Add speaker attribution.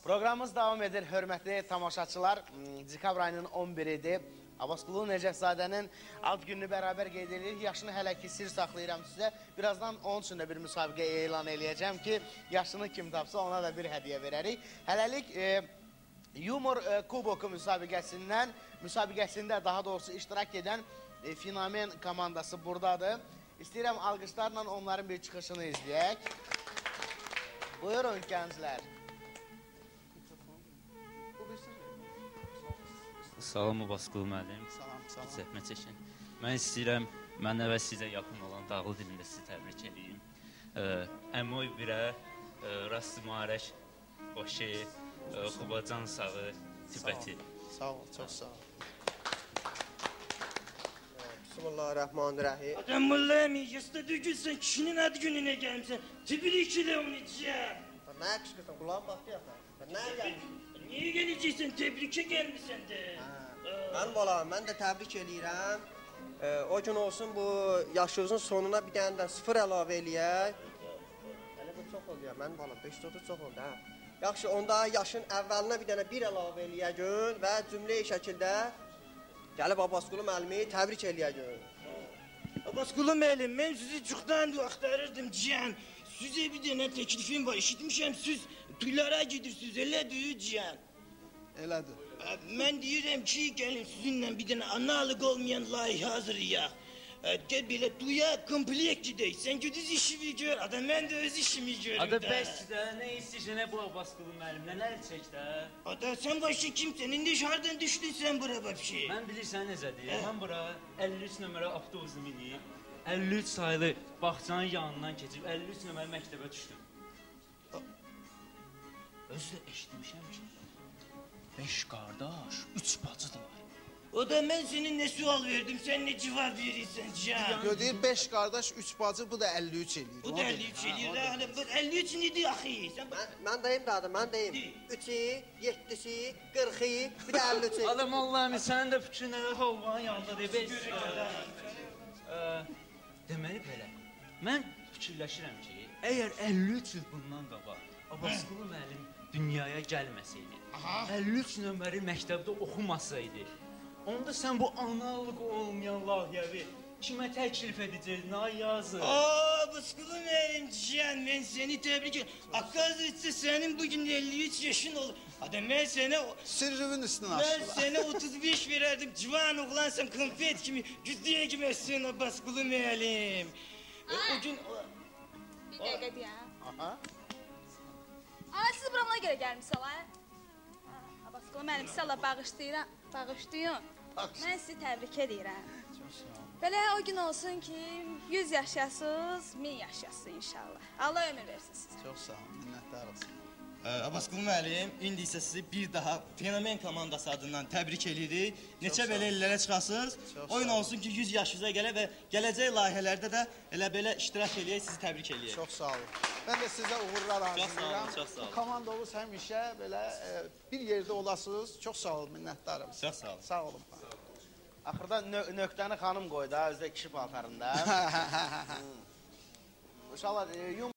Speaker 1: Proqramımız davam edir, hörmətli tamaşaçılar. Dekabr ayının 11-idir. Abbasqulu Nəcəfzadənin ad gününü bərabər qeyd edirik. Yaşını hələ ki sir saxlayıram sizə. Birazdan onun üçün də bir müsabiqə elan eləyəcəm ki, yaşını kim tapsa ona da bir hədiyyə verərik. Hələlik Yumor Kuboku müsabiqəsində daha doğrusu iştirak edən Fenomen komandası buradadır. İstəyirəm alqışlarla onların bir çıxışını izləyək. Buyurun gənclər.
Speaker 2: Salam Abbasqulu müəllim.
Speaker 1: Salam.
Speaker 2: Zəhmət çəkin. Mən istəyirəm, mənə və sizə yaxın olan dağlı dilində sizi təbrik edeyim. Əmoy birə, Rastmarək, Başı, Xubacan sağı, Tibəti.
Speaker 1: Sağ ol, çox sağ ol.
Speaker 3: Bismillahirrahmanirrahim.
Speaker 4: Adamlar yasta düzgünsən, kişinin ad gününə gəlmişsən. Tebrik edirəm onu içəcəm.
Speaker 3: Nə qışqırsan, qulağın baxdı ya. Nəyə gəlmişsən?
Speaker 4: Niyə gələcəksən, təbrikə gəlmişsən də.
Speaker 3: Mənim balam, mən də təbrik edirəm. O gün olsun bu yaşınızın sonuna bir dənə də 0 əlavə eləyək. Hələ bu çox oldu ya, mənim balam, 530 çox oldu hə. Yaxşı, onda yaşın əvvəlinə bir dənə 1 əlavə eləyəcək və cümlə şəkildə gəlib Abbasqulu müəllimi təbrik eləyəcək.
Speaker 4: Abbasqulu müəllim, mən sizi çoxdandır axtarırdım cihan. Sizə bir dənə təklifim var, eşitmişəm siz tuylara gedirsiniz, elədir cihan.
Speaker 1: Elədir.
Speaker 4: Mən deyirəm ki, gəlin sizinlə bir dənə analıq olmayan layihə hazırlayaq. Gəl belə tuya komplekt gedək, sən güdüz işimi gör, mən də öz işimi görüm
Speaker 2: Ada
Speaker 4: də.
Speaker 2: bəs də, nə istəyirsən, nə bu Abbasqulu müəllim, nələr çək də?
Speaker 4: Ada, sən başı kimsən, indi hardan düşdün sən bura vəbşi?
Speaker 2: Mən bilirsən necə deyir, mən bura 53 nömrə avtobusu minib, 53 sayılı bağçanın yanından keçib, 53 nömrə məktəbə düşdüm. Özü də eşitmişəm ki, 5 qardaş, 3 bacıdırlar.
Speaker 4: O da mən senin nə sual verdim, sən nə cavab verirsən can?
Speaker 5: Deyir 5 qardaş, 3 bacı, bu da 53 eləyir.
Speaker 4: Bu da 53 eləyir, 53 nedir axı?
Speaker 3: Mən deyim də adım, mən deyim. 3-i, 7-si, 40-i, bir də 53-i.
Speaker 2: Adam Allah'ım, sənin də fikrin nələr olmanın yanında deyib. Deməli belə, mən fikirləşirəm ki, əgər 53 il bundan qabaq Abbasqulu müəllim dünyaya gəlməsəydi, 53 nömrəli məktəbdə oxumasaydı, onda sən bu analıq olmayan layihəvi kimə təklif edəcəkdin, ay yazır?
Speaker 4: Abbasqulu müəllim can, mən səni təbrik edirəm. Akazıca sənin bugün 53 yaşın olur. Adam mən sənə...
Speaker 5: Sirrivin üstünü
Speaker 4: Mən
Speaker 5: açdılar.
Speaker 4: sənə 35 verərdim, civan oğlansan, konfet kimi güzdəyə giməsin Abbasqulu müəllim. O gün...
Speaker 6: Bir dəqiqə deyəm.
Speaker 1: Aha.
Speaker 6: Ana, siz buramına görə gəlmişsiniz, ha? Abbasqulu müəllim, sizə Allah bağışlayın. Mən sizi təbrik edirəm. Belə o gün olsun ki, 100 yaşayasınız, 1000 yaşayasınız inşallah. Allah ömür versin sizə.
Speaker 5: Çox sağ olun, minnətdar olsun.
Speaker 7: Abbasqulu müəllim, indi isə sizi bir daha Fenomen komandası adından təbrik edirik. Neçə belə illərə çıxasınız. Oyun olsun ki, 100 yaşınıza gələ və gələcək layihələrdə də elə belə iştirak eləyək, sizi təbrik eləyək.
Speaker 5: Çox sağ olun. Mən də sizə uğurlar arzulayıram.
Speaker 7: Çox sağ olun.
Speaker 5: Bu komandamız həmişə belə bir yerdə olasınız. Çox sağ olun, minnətdarım.
Speaker 7: Çox sağ olun.
Speaker 5: Sağ olun.
Speaker 1: Axırda nöqtəni xanım qoydu, özdə kişi paltarında. İnşallah